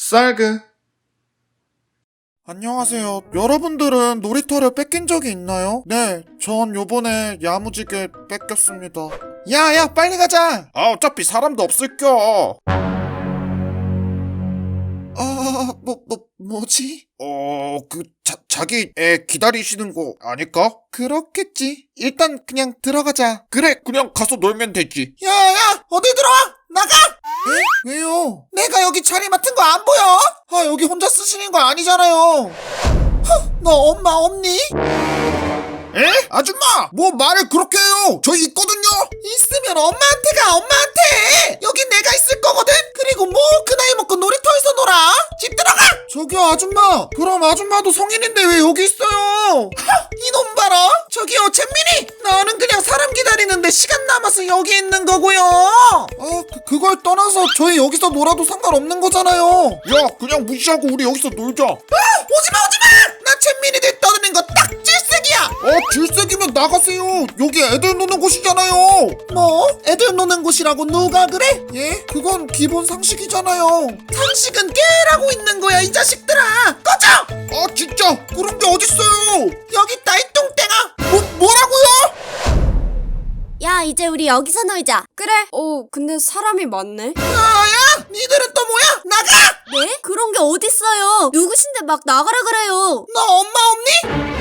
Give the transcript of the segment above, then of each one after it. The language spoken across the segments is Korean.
쌀그. 안녕하세요. 여러분들은 놀이터를 뺏긴 적이 있나요? 네, 전 요번에 야무지게 뺏겼습니다. 야야, 빨리 가자. 어차피 사람도 없을겨. 뭐지? 자기 애 기다리시는 거 아닐까? 그렇겠지. 일단 그냥 들어가자. 그래, 그냥 가서 놀면 되지. 야야, 어디 들어와? 나가! 에? 왜요? 내가 여기 자리 맡은 거 안 보여? 여기 혼자 쓰시는 거 아니잖아요. 너 엄마 없니? 에? 아줌마! 뭐 말을 그렇게 해요! 저희 있거든요! 있으면 엄마한테 가, 엄마한테! 여긴 내가 있을 거거든? 그리고 뭐 그 나이 먹고 놀이터에서 놀아? 집 들어가! 저기요, 아줌마! 그럼 아줌마도 성인인데 왜 여기 있어요? 이놈 봐라! 저기요, 잼민이! 나는 그냥 사람 기다리는데 시간 남아서 여기 있는 거고요! 그걸 떠나서 저희 여기서 놀아도 상관없는 거잖아요! 야, 그냥 무시하고 우리 여기서 놀자! 오지마! 나 잼민이들 떠드는 거 딱 질색이야! 질색이면 나가세요! 여기 애들 노는 곳이잖아요! 뭐? 애들 노는 곳이라고 누가 그래? 예? 그건 기본 상식이잖아요. 상식은 깨라고 있는 거야, 이 자식들아! 꺼져! 진짜! 그런 게 어딨어요! 여기 있다, 이 똥땡아! 뭐라고요? 야, 이제 우리 여기서 놀자. 그래. 근데 사람이 많네. 야! 니들은 또 뭐야? 나가! 네? 그런 게 어딨어요. 누구신데 막 나가라 그래요. 너 엄마 없니?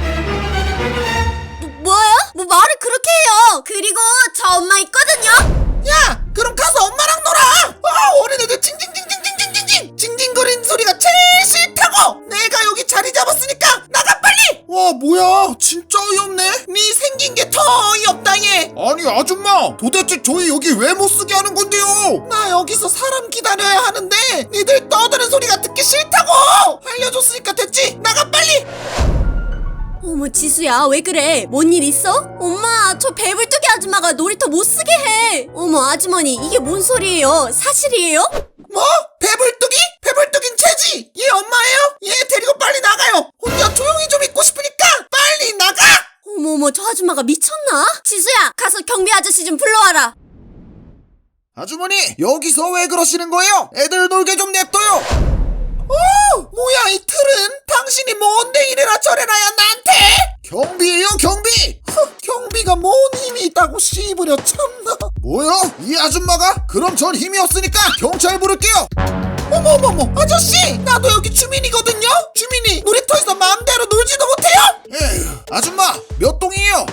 뭐요? 뭐 말을 그렇게 해요. 그리고 저 엄마 있거든요. 야! 그럼 가서 엄마랑 놀아! 어린애들 징징거리는 소리가 제일 싫다고! 내가 여기 자리 잡았으니까 나가 빨리! 와, 뭐야, 진짜 어이없네. 네 생긴 게 더 어이없다, 얘. 아니, 아줌마, 도대체 저희 여기 왜 못쓰게 하는 건데요? 나 여기서 사람 기다려야 하는데 니들 떠드는 소리가 듣기 싫다고! 알려줬으니까 됐지? 나가 빨리! 어머, 지수야, 왜 그래? 뭔 일 있어? 엄마, 저 배불뚝이 아줌마가 놀이터 못 쓰게 해. 어머, 아주머니, 이게 뭔 소리예요? 사실이에요? 뭐? 배불뚝이? 배불뚝인 채지! 얘 엄마예요? 얘 데리고 빨리 나가요! 혼자 조용히 좀 있고 싶으니까 빨리 나가! 어머, 저 아줌마가 미쳤나? 지수야, 가서 경비 아저씨 좀 불러와라. 아주머니, 여기서 왜 그러시는 거예요? 애들 놀게 좀 냅둬요! 뭐야, 이 틀은? 당신이 뭔데 이래라 저래라야 나한테? 경비예요, 경비! 경비가 뭔 힘이 있다고 씨부려 참나. 뭐요? 이 아줌마가? 그럼 전 힘이 없으니까 경찰 부를게요. 어머머머, 아저씨! 나도 여기 주민이거든요? 주민이 놀이터에서 마음대로 놀지도 못해요? 에휴, 아줌마, 몇 동이에요?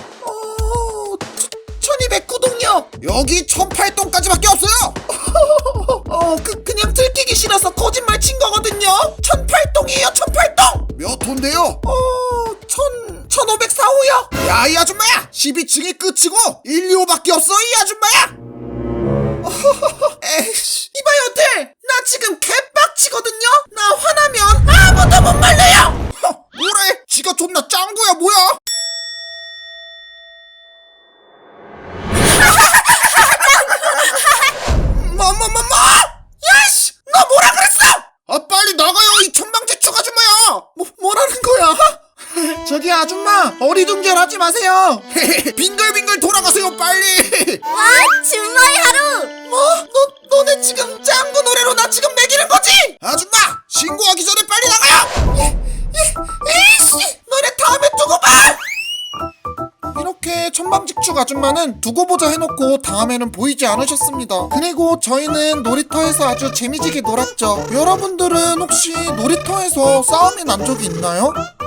1209동이요. 여기 1008동까지밖에 없어요. 그냥 들키기 싫어서 거짓말 친 거거든요. 1008동이에요, 1008동. 몇 호인데요? 1504호요. 야, 이 아줌마야, 12층이 끝이고 1, 2호밖에 없어, 이 아줌마야. 에이씨, 이봐요, 나 지금 개빡치거든요. 나 화나면 아무도 못 말려요. 뭐래? 지가 존나 짱구야, 뭐야? 야이씨! 너 뭐라 그랬어? 빨리 나가요, 이 천방지축 아줌마야! 뭐라는 거야? 저기 아줌마, 어리둥절하지 마세요. 빙글빙글 돌아가세요, 빨리. 와, 준마이 하루! 뭐? 너네 지금 짱구 노래로 나 지금 매기는 거지? 아줌마, 신고하기 전에 빨리 나가요. 에이씨, 너네 다음에 두고 봐. 이렇게 천방지축 아줌마는 두고 보자 해놓고 다음에는 보이지 않으셨습니다. 그리고 저희는 놀이터에서 아주 재미지게 놀았죠. 여러분들은 혹시 놀이터에서 싸움이 난 적이 있나요?